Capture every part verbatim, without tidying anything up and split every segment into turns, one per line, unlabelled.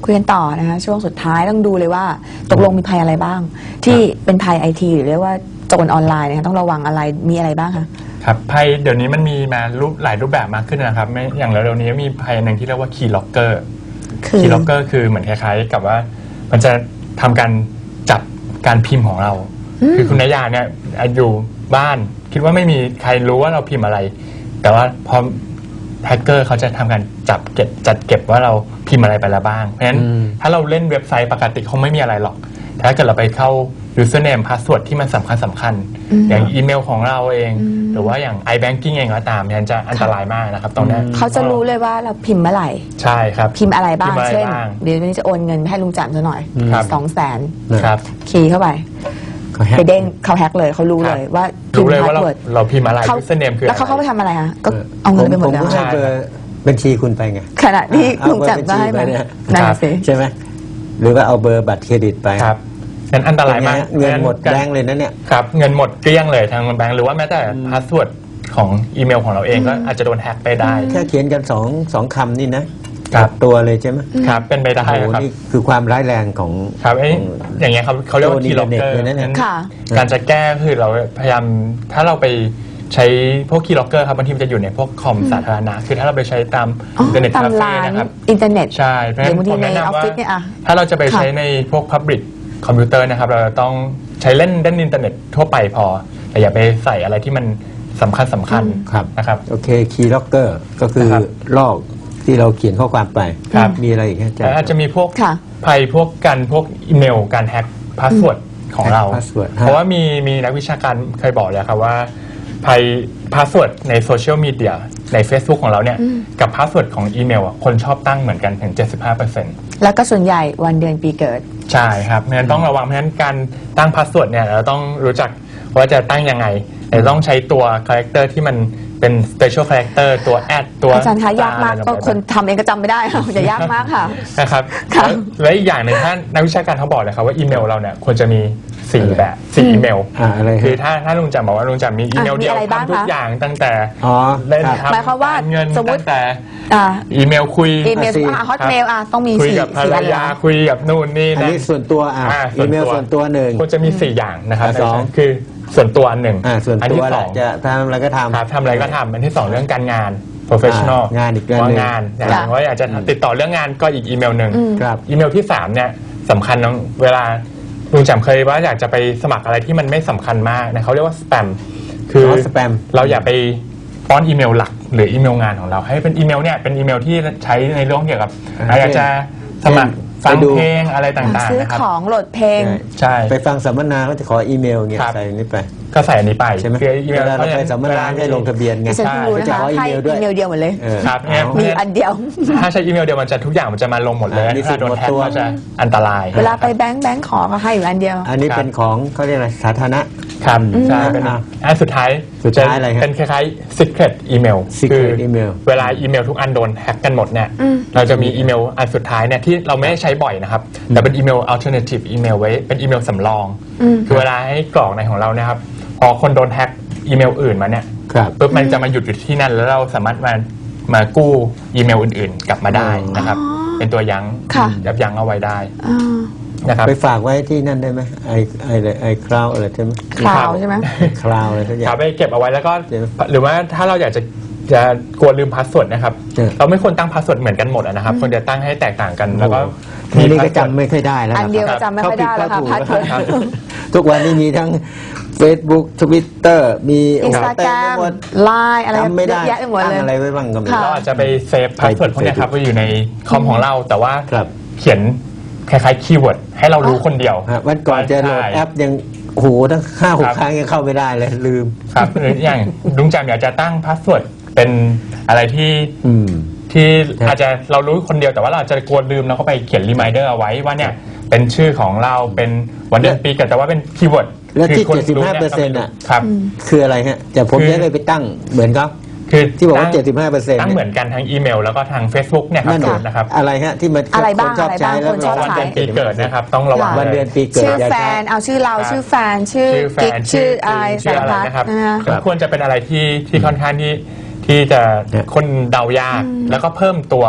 คุยกันต่อนะคะช่วงสุดท้ายต้องดูเลยว่าตกลงมีภัยอะไรบ้าง ที่เป็นภัยไอทีหรือเรียกว่าโจรออนไลน์นะคะต้องระวังอะไรมีอะไรบ้างคะ
ครับภัยเดี๋ยวนี้มันมีมารูปหลายรูปแบบมากขึ้นนะครับไม่อย่างเร็วๆนี้มีภัยหนึ่งที่เรียกว่าคีย์ล็อกเกอร์คีย์ล็อกเกอร์คือเหมือนคล้ายๆกับว่ามันจะทำการจับการพิมพ์ของเราคือคุณนายาเนี่ยอยู่บ้านคิดว่าไม่มีใครรู้ว่าเราพิมพ์อะไรแต่ว่าพอแฮกเกอร์เขาจะทำการจับเก็บจัดเก็บว่าเราพิมพ์อะไรไปแล้วบ้างเพราะฉะนั้นถ้าเราเล่นเว็บไซต์ปกติคงไม่มีอะไรหรอกแต่ถ้าเกิดเราไปเข้า username password ที่มันสำคัญสำคัญอย่างอีเมลของเราเองหรือว่าอย่าง iBanking เองก็ตามมันจะอันตรายมากนะครับตรงนี้
เขาจะรู้เลยว่าเราพิมพ์เมื่อไหร่
ใช่ครับ
พิมพ์อะไรบ้างเช่นเดี๋ยววันนี้จะโอนเงินให้ลุงจันทร์ซะหน่อยสองแสนคีย์เข้าไปไปเด้งเขาแฮกเลยเขารู้เลยว่า
รู้เลยว่าเราเราพิมพ์อะไร username คือ
แล้วเขาเข้าไปทำอะไรคะก็เอาเงินไปหมดแล้ว
ใช่บัญชีคุณไปไง
ขณะที่ลุงจันทร์ได้ไหมนั่นสิ
ใช่ไหมหรือว่าเอาเบอร์บัตรเครดิตไป
ครับงั้นอันตรายมาก
เงินหมดแบงค์เลยนะเนี่ย
ครับเงินหมดเกลี้ยงเลยทางแบงค์หรือว่าแม้แต่พาสเวิร์ดของอีเมลของเราเองก็อาจจะโดนแฮกไปได้
แค่เขียนกันสองสองคำนี่นะกับตัวเลยใช่ไหม
ครับเป็นไปได้ครับ
นี่คือความร้ายแรงของ
ครับอย่างเงี้ยเขาเขาเรียกว่าคีย์ล็อกเกอร์การจะแก้คือเราพยายามถ้าเราไปใช้พวกคีย์ล็อกเกอร์ครับบางทีมันจะอยู่ในพวกคอมสาธารณะคือถ้าเราไปใช้ตามอินเทอร์เน็ตคาเฟ่นะครับ
อินเทอร์เน็ต
ใช่เพราะฉะนั้นผมแนะนำว่าถ้าเราจะไปใช้ในพวก Public คอมพิวเตอร์นะครับเราต้องใช้เล่นเล่นอินเทอร์เน็ตทั่วไปพอแต่อย่าไปใส่อะไรที่มันสำคัญสำคัญนะครับ
โอเคคีย์ล็อกเกอร์ก็คือลอกที่เราเขียนข้อความไปมีอะไรอีกอาจารย์
อาจจะมีพวกภัยพวกการพวกอีเมลการแฮกพาสเวิร์ดของเราเพราะว่ามีมีนักวิชาการเคยบอกเลยครับว่าภัยพาสเวิร์ดในโซเชียลมีเดียใน Facebook ของเราเนี่ยกับพาสเวิร์ดของอีเมลคนชอบตั้งเหมือนกันถึง เจ็ดสิบห้าเปอร์เซ็นต์
แล้วก็ส่วนใหญ่วันเดือนปีเกิด
ใช่ครับเพราะฉะนั้นต้องระวังเพราะฉะนั้นการตั้งพาสเวิร์ดเนี่ยเราต้องรู้จักว่าจะตั้งยังไงแต่ต้องใช้ตัวคาแรคเตอร์ที่มันเป็น special character ตัวแอดตัว
อาจารย์คะยากมากก็คนทำเองก็จำไม่ได้ค่ะจะยากมากค่ะ
นะครับและอีกอย่างหนึ่งท่านนักวิชาการเขาบอกเลยครับว่าอีเมลเราเนี่ยควรจะมีสี่แบบสี่อีเมลคือถ้าถ้าลุงจำบอกว่าลุงจำมีอีเมลเดียวทำทุกอย่างตั้งแต่เล่นทำเงินตั้งแต่อีเมลคุย
อีเมลฮอตเมลต้องมีสี่
คุยกับภรรยาคุยกับนู่นนี่
อันนี้ส่วนตัวอีเมลส่วนตัวหนึ่ง
ควรจะมีสี่อย่างนะครับสองคือส่วนตัวอันหนึ่ง
อันที่สองจะทำอะไรก็ทำ
ทำอะไรก็ทำอันที่สองเรื่องการงาน professional
งานอีกเรื่องนึง
งานอย่างว่าอยากจะติดต่อเรื่องงานก็อีกอีเมลหนึ่งอีเมลที่สามเนี่ยสำคัญเวลาลุงจำเคยว่าอยากจะไปสมัครอะไรที่มันไม่สำคัญมากนะเขาเรียกว่าสแปมคือเราอย่าไปป้อนอีเมลหลักหรืออีเมลงานของเราให้เป็นอีเมลเนี่ยเป็นอีเมลที่ใช้ในเรื่องเกี่ยวกับอยากจะสมัครฟังเพลงอะไรต่างๆนะครับ
ซื้อของโหลดเพลง
ใช่
ไปฟังสัมมนาเขาจะขออีเมลเงี้ยใส่นี้ไป
ก็ใส่อันนี้ไป
ใช่ไหม
อีเมล
เราไปสัมมนาให้ลงทะเบียนไง
ใช่จะขออีเมลด้วยอีเมลเดียวหมดเลย
ครับ
มีอันเดียว
ถ้าใช้อีเมลเดียวมันจะทุกอย่างมันจะมาลงหมดเลยถ้าโดนแฮกก็จะอันตราย
เวลาไปแบงค์แบงค์ขอเขาให้อยู่อันเดียว
อันนี้เป็นของเขาเรียกอะไรสาธารณะ
ครับใช่เป็นอันสุดท้าย
สุดท้ายอะไร
เป็นคล้ายๆ secret email
คือ
เวลาอีเมลทุกอันโดนแฮกกันหมดเนี่ยเราจะมีอีเมลอันสุดท้ายเนี่ยที่เราไม่ได้ใช้บ่อยนะครับแต่เป็นอีเมล alternative email ไว้เป็นอีเมลสำรองคือเวลาให้กรอกในของเราเนี่ยครับพอคนโดนแฮกอีเมลอื่นมาเนี่ยปุ๊บมันจะมาหยุดอยู่ที่นั่นแล้วเราสามารถมามากู้อีเมลอื่นๆกลับมาได้นะครับเป็นตัวยั้งยับยั้งเอาไว้ได้นะครับ
ไปฝากไว้ที่นั่นได้ไหมไอไอไอคลาวอะไรใช่ไหม
คลาวใช่ไหม
คลาวอะไรทุกอย่าง
ไปเก็บเอาไว้แล้วก็หรือว่าถ้าเราอยากจะจะกลัวลืมพาสเวิร์ดนะครับเราไม่ควรตั้งพาสเวิร์ดเหมือนกันหมดนะครับควรจะตั้งให้แตกต่างกันแล้วก็
ทีนี้ก็จำไม่ค่อยได้แล้ว
อันเดียวก็จำไม่ค่อยได้แล้วค่ะพาสเวิร์ด
ทุกวันนี้มีทั้ง Facebook Twitter มี
Instagram ไลน์อะไร
ไม่ได้
เยอะหมดเลย
อะไรไว้บ้างก็ไม่
รู้เราอาจจะไปเซฟพาสเวิร์ดพวกนี้ครับไว้อยู่ในคอมของเราแต่ว่าเขียนคล้ายๆคีย์เวิร์ดให้เรารู้คนเดียว
วันก่อนจะโหลดแอปยังโหตั้งห้าหกครั้งยังเข้าไม่ได้เลยลืม
ครับหรืออย่างลุงจำอยากจะตั้งพาสเวิร์ดเป็นอะไรที่ที่อาจจะเรารู้คนเดียวแต่ว่าเราอาจจะกลัวลืมแล้วก็ไปเขียนรีมายเดอร์เอาไว้ว่าเนี่ยเป็นชื่อของเราเป็นวันเดือนปีเกิดแต่ว่าเป็นคีย์เวิร์ด
แล้วที่ เจ็ดสิบห้าเปอร์เซ็นต์ อ่ะครับคืออะไรฮะแต่ผมจะเลยไปตั้งเหมือนเขาคือที่บอกว่า เจ็ดสิบห้าเปอร์เซ็นต์
ตั้งเหมือนกันทั้งอีเมลแล้วก็ทาง Facebook เนี่ยครับนะครับ
อะไรฮะที่มัน
คน
ชอบใช้แล้ว
วันเดือนปีเกิดนะครับต้องระวัง
วันเดือนปีเกิด
ชื่อแฟนเอาชื่อเราชื่อแฟนชื่อกิ๊กชื่ออะไรสารพัด
นะครับควรจะเป็นอะไรที่ที่ค่อนข้างที่ที่จะคนเดายากแล้วก็เพิ่มตัว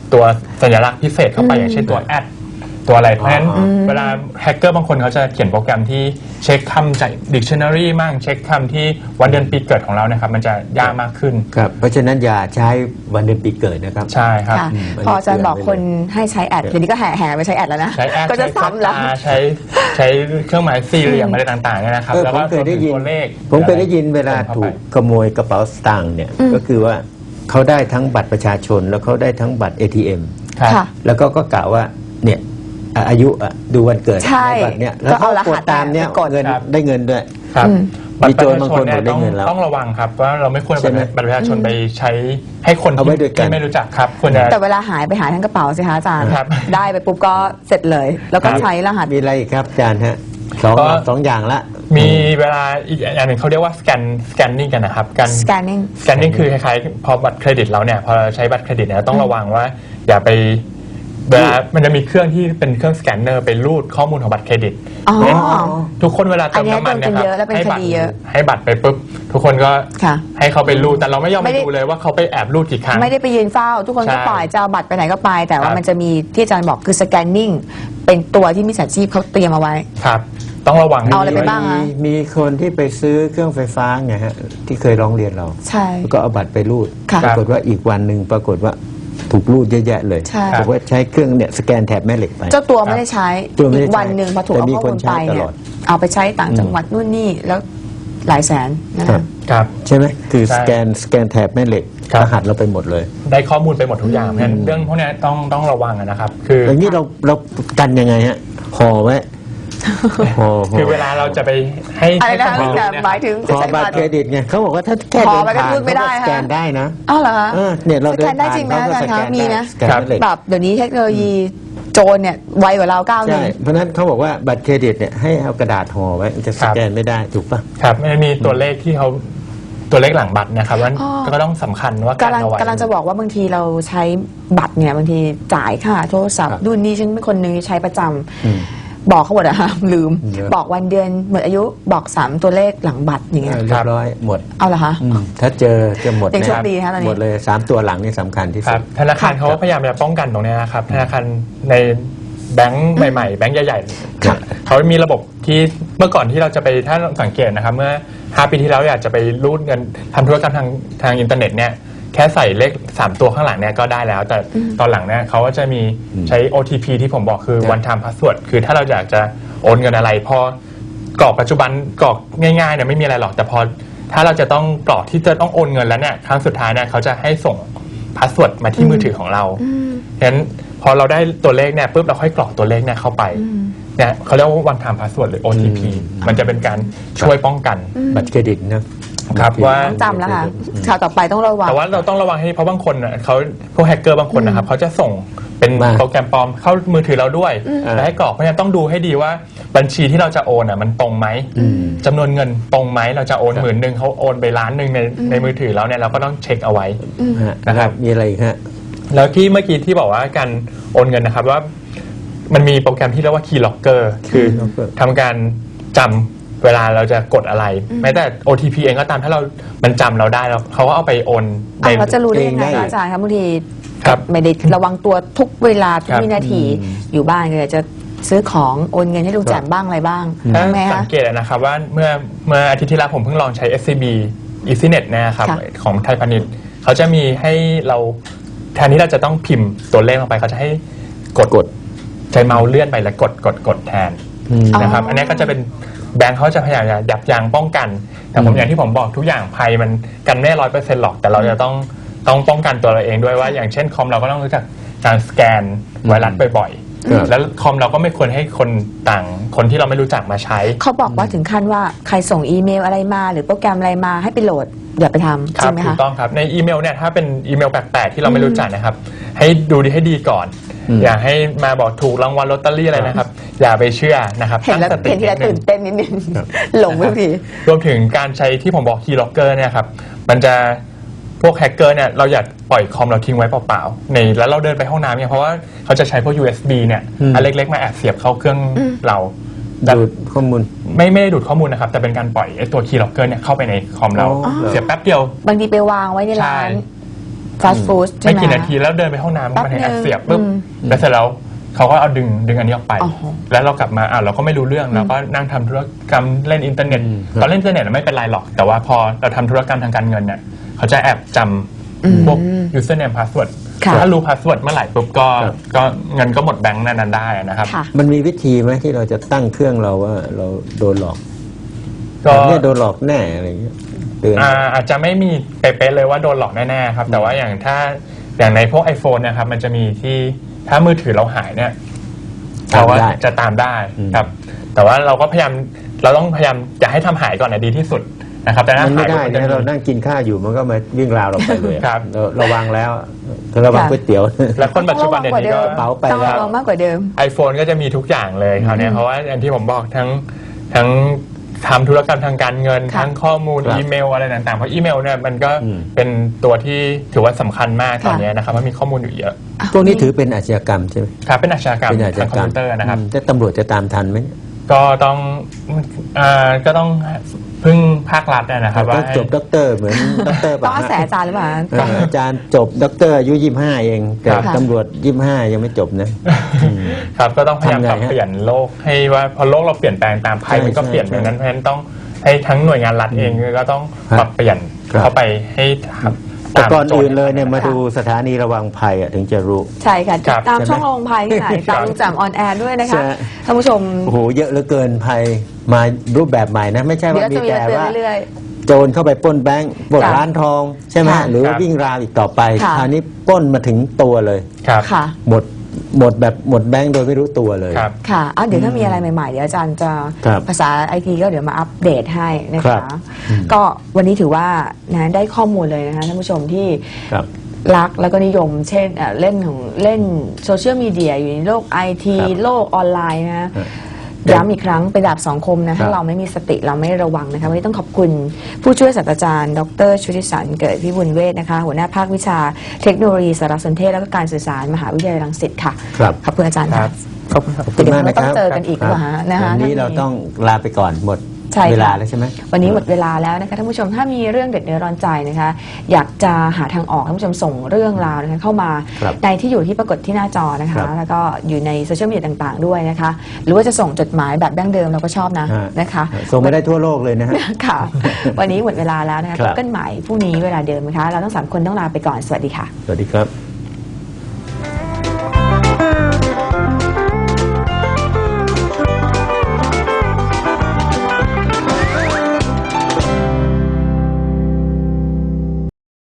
ตัวสัญลักษณ์พิเศษเข้าไปอย่างเช่นตัวแอดตัวอะไรเพราะฉะนั้นเวลาแฮกเกอร์บางคนเขาจะเขียนโปรแกรมที่เช็คคำจาก dictionary มั่งเช็คคำที่วันเดือนปีเกิดของเรานะครับมันจะยากมากขึ้น
ครับเพราะฉะนั้นอย่าใช้วันเดือนปีเกิดนะครับ
ใช่ครับ
พออาจารย์บอกคนให้ใช้แอดเดี๋ยวนี้ก็แห่แห่ไปใช้แอดแล้วนะ
ใช้แอด
ก็จะซ้ำแล้ว
ใช้ใช้เครื่องหมายสี่เหลี่ยมอะไรต่างๆเนี่ยนะครับ
แล้วก็เคยได้ยิน
ตัวเลข
ผมเคยได้ยินเวลาถูกขโมยกระเป๋าสตางค์เนี่ยก็คือว่าเขาได้ทั้งบัตรประชาชนแล้วเขาได้ทั้งบัตร เอ ที เอ็ม แล้วก็ก็กล่าวว่าเนี่ยอายุดูวันเกิดในบัตรเนี่ยแล้วเขากดตามเนี่ยเงินได้เงินด้วย
ครับบัตรประชาชน
เนี่ย
ต้องต้องระวังครับว่าเราไม่ควรบัตรประชาชนไปใช้ให้คนที่ไม่รู้จักครับควรจะ
แต่เวลาหายไปหายทั้งกระเป๋าสิคะอาจารย์ได้ไปปุ๊บก็เสร็จเลยแล้วก็ใช้รหัส
มีอะไรอีกครับอาจารย์ฮะสองสองอย่างละ
มีเวลาอีกอย่างหนึ่งเขาเรียกว่าสแกนสแกนนิ่งกันนะครับการ
สแกนนิ่ง
สแกนนิ่งคือคล้ายๆพอบัตรเครดิตเราเนี่ยพอใช้บัตรเครดิตเนี่ยต้องระวังว่าอย่าไปเวลามันจะมีเครื่องที่เป็นเครื่องสแกนเนอร์ไปรูดข้อมูลของบัตรเครดิตทุกคนเวลาเติมน้ำมันนะครับให้บัตรให้บัตรไปปุ๊บทุกคนก็ให้เขาไปรูดแต่เราไม่ยอมไปดูเลยว่าเขาไปแอบรูดกี่ครั้ง
ไม่ได้ไปยืนเฝ้าทุกคนก็ปล่อยจะเอาบัตรไปไหนก็ไปแต่ว่ามันจะมีที่อาจารย์บอกคือสแกนนิ่งเป็นตัวที่มิจฉาชีพเขาเตรียมเอาไว้
ครับต้องระวัง
เอาอะไรไปบ้างคะ
มีคนที่ไปซื้อเครื่องไฟฟ้าไงฮะที่เคยร้องเรียนเรา
ใช่
แล้วก็เอาบัตรไปรูดปรากฏว่าอีกวันหนึ่งปรากฏว่าถูกรูดเยอะแยะเลยบอกว่าใช้เครื่องเนี่ยสแกนแถบแม่เหล็กไป
เจ้าตัวไม่ได้ใช้อีกวันหนึ่งพอถูกเอาข้อมูลไปเนี่ยเอาไปใช้ต่างจังหวัดนู่นนี่แล้วหลายแสน
นะครับ
ใช่ไหมคือสแกนสแกนแถบแม่เหล็กรหัสเราไปหมดเลย
ได้ข้อมูลไปหมดทุกอย่างเพราะฉะนั้นเรื่องพวกนี้ต้องต้องระวังนะครับคือ
อย่างนี้เราเรากันยังไงฮะห่อไว้
คือเวลาเราจะไปให้
อะไรนะหมายถึง
ขอบัตรเครดิตไงเขาบอกว่าถ้าแค่เดินผ่านเขาสแกนได้นะ
อ้าวเหรอคะ
เนี่ยเรา
สแกนได้จริงไหมอาจารย์คะมีนะแบบเดี๋ยวนี้เทคโนโลยีโจรเนี่ยไวกว่าเราก้าวหนึ่ง
เพราะนั้นเขาบอกว่าบัตรเครดิตเนี่ยให้เอากระดาษห่อไว้จะสแกนไม่ได้ถูกป่ะ
ครับมันมีตัวเลขที่เขาตัวเลขหลังบัตรนะครับว่าก็ต้องสำคัญว่า
การเอาไว้กำลังจะบอกว่าบางทีเราใช้บัตรเนี่ยบางทีจ่ายค่าโทรศัพท์ดูนี่ฉันเป็นคนหนึ่งที่ใช้ประจำบอกเขาหมดอะค่ะลืมบอกวันเดือนหมดอายุบอกสามตัวเลขหลังบัตรอย่างเงี้ย
เรียบร้อยหมด
เอาเหรอคะ
ถ้าเจอจะหมด
ยังโชคดีคะตอนนี้
หมดเลยสามตัวหลังนี่สำคัญที่สุด
ธนาคารเขาพยายามจะป้องกันตรงนี้นะครับธนาคารในแบงก์ใหม่ๆแบงก์ใหญ่ๆเขามีระบบที่เมื่อก่อนที่เราจะไปถ้าสังเกตนะครับเมื่อห้าปีที่แล้วอยากจะไปรูดเงินทำธุรกรรมทางทางอินเทอร์เน็ตเนี่ยแค่ใส่เลขสามตัวข้างหลังเนี่ยก็ได้แล้วแต่ตอนหลังเนี่ยเขาก็จะมีใช้ โอ ที พี ที่ผมบอกคือ one time password คือถ้าเราอยากจะโอนเงินอะไรพอกรอกปัจจุบันกรอกง่ายๆเนี่ยไม่มีอะไรหรอกแต่พอถ้าเราจะต้องกรอกที่จะต้องโอนเงินแล้วเนี่ยครั้งสุดท้ายเนี่ยเขาจะให้ส่งพาสเวิร์ดมาที่มือถือของเราฉะนั้นพอเราได้ตัวเลขเนี่ยปุ๊บเราค่อยกรอกตัวเลขเนี่ยเข้าไปเนี่ยเขาเรียกว่า one time password หรือ โอ ที พี มันจะเป็นการช่วยป้องกัน
บัตรเครดิตนะครับ
ว่า
จำแล้วค่ะข่าวต่อไปต้องระวัง
แต่ว่าเราต้องระวังให้เพราะบางคนเขาพวกแฮกเกอร์บางคนนะครับเขาจะส่งเป็นโปรแกรมปลอมเข้ามือถือเราด้วยและให้กรอกเพราะฉะนั้นต้องดูให้ดีว่าบัญชีที่เราจะโอนอ่ะมันตรงไหมจำนวนเงินตรงไหมเราจะโอนหมื่นหนึ่งเขาโอนไปล้านหนึ่งในในมือถือแล้วเนี่ยเราก็ต้องเช็คเอาไว้
นะครับมีอะไรฮะ
แล้วที่เมื่อกี้ที่บอกว่าการโอนเงินนะครับว่ามันมีโปรแกรมที่เรียกว่า Key Locker คือทำการจำเวลาเราจะกดอะไรแม้แต่ โอ ที พี เองก็ตามถ้าเรามันจำเราได้แล้วเขาก็เอาไปโอน
เราจะรู้ได้ยังไงอาจารย์ครับบางทีไม่ได้ระวังตัวทุกเวลาทุกวินาทีอยู่บ้านเลยจะซื้อของโอนเงินให้ลุงแจ่มบ้างอะไรบ้าง
ไหมคะสังเกตนะครับว่าเมื่อเมื่ออาทิตย์ที่แล้วผมเพิ่งลองใช้ เอส ซี บี EasyNet นะครับของไทยพาณิชย์เขาจะมีให้เราแทนที่เราจะต้องพิมพ์ตัวเลขลงไปเขาจะให้กดกดใช้เมาส์เลื่อนไปแล้วกดกดกดแทนนะครับอันนี้ก็จะเป็นแบงค์เขาจะพยายามยับยั้งป้องกันแต่ผมอย่างที่ผมบอกทุกอย่างภัยมันกันไม่ร้อยเปอร์เซ็นต์หรอกแต่เราจะต้องต้องป้องกันตัวเราเองด้วยว่าอย่างเช่นคอมเราก็ต้องรู้จักการสแกนไวรัสบ่อยๆแล้วคอมเราก็ไม่ควรให้คนต่างคนที่เราไม่รู้จักมาใช้
เขาบอกว่าถึงขั้นว่าใครส่งอีเมลอะไรมาหรือโปรแกรมอะไรมาให้ไปโหลดอย่าไปทำใช่ไหมคะ
ถูกต้องครับในอีเมลเนี่ยถ้าเป็นอีเมลแปลกๆที่เราไม่รู้จักนะครับให้ดูดีให้ดีก่อนอย่าให้มาบอกถูกรางวัลลอตเตอรี่อะไรนะครับอย่าไปเชื่อนะครับ
เห็นแล้วเห็นที่แล้วตื่นเต้นนิดนึงหลงไปที
รวมถึงการใช้ที่ผมบอก Key Locker เนี่ยครับมันจะพวกแฮกเกอร์เนี่ยเราอย่าปล่อยคอมเราทิ้งไว้เปล่าๆในแล้วเราเดินไปห้องน้ำเนี่ยเพราะว่าเขาจะใช้พวก ยู เอส บี เนี่ยอันเล็กๆมาแอบเสียบเข้าเครื่องเรา
ดูดข้อมูล
ไม่ไม่ได้ดูดข้อมูลนะครับแต่เป็นการปล่อยไอ้ตัว Key Locker เนี่ยเข้าไปในคอมเราเสียบแป๊บเดียว
บางทีไปวางไว้ในร้านฟาสต์ฟู้ดใช่
ไม่
ไหม
กี่นาทีแล้วเดินไปห้องน้ำ
แป๊บ
มันให้
นึง
แอปเสียบปุ๊บ
อืม
แล้วเสร็จแล้วเขาก็เอาดึงดึงอันนี้ออกไป
อ๋อ
แล้วเรากลับมาอ่ะเราก็ไม่รู้เรื่องเราก็นั่งทำธุรกรรมเล่นอินเทอร์เน็ตตอนเล่นอินเทอร์เน็ตไม่เป็นไรหรอก แต่ว่าพอเราทำธุรกรรมทางการเงินเนี่ยเขาจะแอบจำพวก username password
ค่ะ
ถ้ารู้ password เมื่อไหร่ปุ๊บก็
ครับ
ก็เงินก็หมดแบงค์นั้นๆได้นะครับ
ค่ะ
มันมีวิธีไหมที่เราจะตั้งเครื่องเราว่าเราโดนหลอก
ก็
เนี่ยโดนหลอกแน่อะไรอย่างเงี้ยเตือน
อ่าอาจจะไม่มีเป๊ะๆเลยว่าโดนหลอกแน่ๆครับ แต่ว่าอย่างถ้าอย่างในพวก iPhone นะครับมันจะมีที่ถ้ามือถือเราหายเนี่ย
ตาม
เราว่า
ได้
จะตามได้
อืม
ครับ แต่ว่าเราก็พยายามเราต้องพยายามอย่าให้ทำหายก่อนนะดีที่สุดนะครับแต่ถ้า
มันไม่
หาย
ได้
มันจะ
นะ
มี
เรานั่งกินข้าวอยู่มันก็มาวิ่งราวเราไปเลยอะ
ครับ
เราระวังแล้วระวัง
ค่ะ
ก๋วยเตี๋ยว
แล้วคนปัจจุบันเดี๋ยวนี้ก็
กระเป๋าไป
ต้อง
แล้ว
ระวังมากกว่าเดิม
iPhone ก็จะมีทุกอย่างเลยคราวเนี้ยเพราะว่าอย่างที่ผมบอกทั้งทั้งทำธุรกรรมทางการเงิน
ค่ะ
ทั้งข้อมูล
ครับ
อีเมลอะไรต่างๆเพราะอีเมลเนี่ยมันก็
อืม
เป็นตัวที่ถือว่าสำคัญมากตอน
ค่ะ
เนี้ยนะครับเพราะมีข้อมูลอยู่เยอะ
พวกนี้ถือเป็นอาชญากรรมใช่ไหม
ครับเป็นอาชญากรรม
เป็นอาช
ทา
ญาง
คอม
กรรม
พิวเตอร์นะครับ
อืมแต่ตำรวจจะตามทันไหม
ก็ต้องอ่าก็ต้องพึ่งภาครัฐนะครับว่า
ต้องจบด็อกเตอร์เหมือนด็อกเตอร์
ต้อง
ป่ะ
อาศัยอาจารย์หรือเปล่า
เอออาจารย์จบด็อกเตอร์อายุยี่สิบห้าเองแต่
ค่ะ
ตำรวจยี่สิบห้ายังไม่จบนะ
ครับก็ต้องพยายาม
ทำไง
ปรับ
ฮะ
เปลี่ยนโลกให้ว่าพอโลกเราเปลี่ยนแปลงตามภัย
ใช่
มันก็
ใช่
เปลี่ยน
ใช่
ดังนั้นเพราะฉะนั้นต้องให้ทั้งหน่วยงานรัฐเองก็ต้อง
ครับ
ปรับเปลี่ยน
ครับ
เข้าไปให้ครับ
แต่ก่อน
โจท
อื่นเลยเนี่ยมาดูสถานีระวังภัยอะถึงจะรู้
ใช่ค่ะ
ครับ
ตาม
ใช่ไหม
ช่องลงภัยที่ไหน
ครั
ตาม
บ
ลุงแจ่มออนแอร์ด้วยนะ
ใช่
คะท่านผู้ชม
โอ้โหเยอะเหลือเกินภัยมารูปแบบใหม่นะ ไม่ใช่
เดี๋ย
ว่าว มี
จะมี
แต่
มาเตือน
ว่า
เรื่อย
โจรเข้าไปปล้นแบงก์ปล้น
ค่ะ
ร้านทองใช่ไหม
ค่ะ
หรือว่า
ครับ
วิ่งราวอีกต่อไป
ค่ะ
คราวนี้ปล้นมาถึงตัวเลย
ครับ
ๆ ค่ะ
หมดหมดแบบหมดแบงก์โดยไม่รู้ตัวเลย
ครับ
ค่ะอ่ะเดี๋ยวถ้ามีอะไรใหม่ๆ เดี๋ยวอาจารย์จะ
ครับ
ภาษาไอทีก็เดี๋ยวมาอัปเดตให้นะ
ครั
คะ
บอืม
ก็วันนี้ถือว่านะได้ข้อมูลเลยนะคะท่านผู้ชมที่
ครับ
รักแล้วก็นิยม เช่นเอ่อเล่นของเล่นโซเชียลมีเดียอยู่ในโลกไอที
ครับ
โลกออนไลน์นะ
ครับ
ย้ำอีกครั้งเป็นดาบสองคมนะ
ครั
ถ้า
บ
เราไม่มีสติเราไม่ระวังนะคะวันนี้ต้องขอบคุณผู้ช่วยศาสตราจารย์ ดรชุติสันต์เกิดพิบูลเวชนะคะ หัวหน้าภาควิชาเทคโนโลยีสารสนเทศและก็การสื่อสารมหาวิทยาลัยรังสิตค่ะ
ครับ
ขอบคุณอาจารย์
ค
ค่ะ
รับขอบคุณครับ
ขอบคุณมาก
เดี๋ยว
นะค
เราต้อ
รับ
งเจอกันอีกหรือเปล่าฮะนะคะ
วันนี้
ถ้ามี
เราต้องลาไปก่อนหมด
ใช่ค่ะ
เวลาแล้วใช่ไหม
วันนี้หมดเวลาแล้วนะคะท่านผู้ชมถ้ามีเรื่องเด็ดเนื้อร้อนใจนะคะ อยากจะหาทางออกท่านผู้ชมส่งเรื่องราวนะคะเข้ามา
ครับ
ในที่อยู่ที่ปรากฏที่หน้าจอนะ
ครั
คะ
บ
แล้วก็อยู่ในโซเชียลมีเดียต่างๆด้วยนะคะ หรือว่าจะส่งจดหมายแบบดั้งเดิมเราก็ชอบนะ
ฮะ
นะคะ
ส่งไปได้ทั่วโลกเลยนะฮะ
ค่ะ วันนี้หมดเวลาแล้วนะคะ
ครั
พ
บ
บกันใหม่พรุ่งนี้เวลาเดิมนะคะ เราทั้งสามคนต้องลาไปก่อนสวัสดีค่ะ
สวัสดีครับ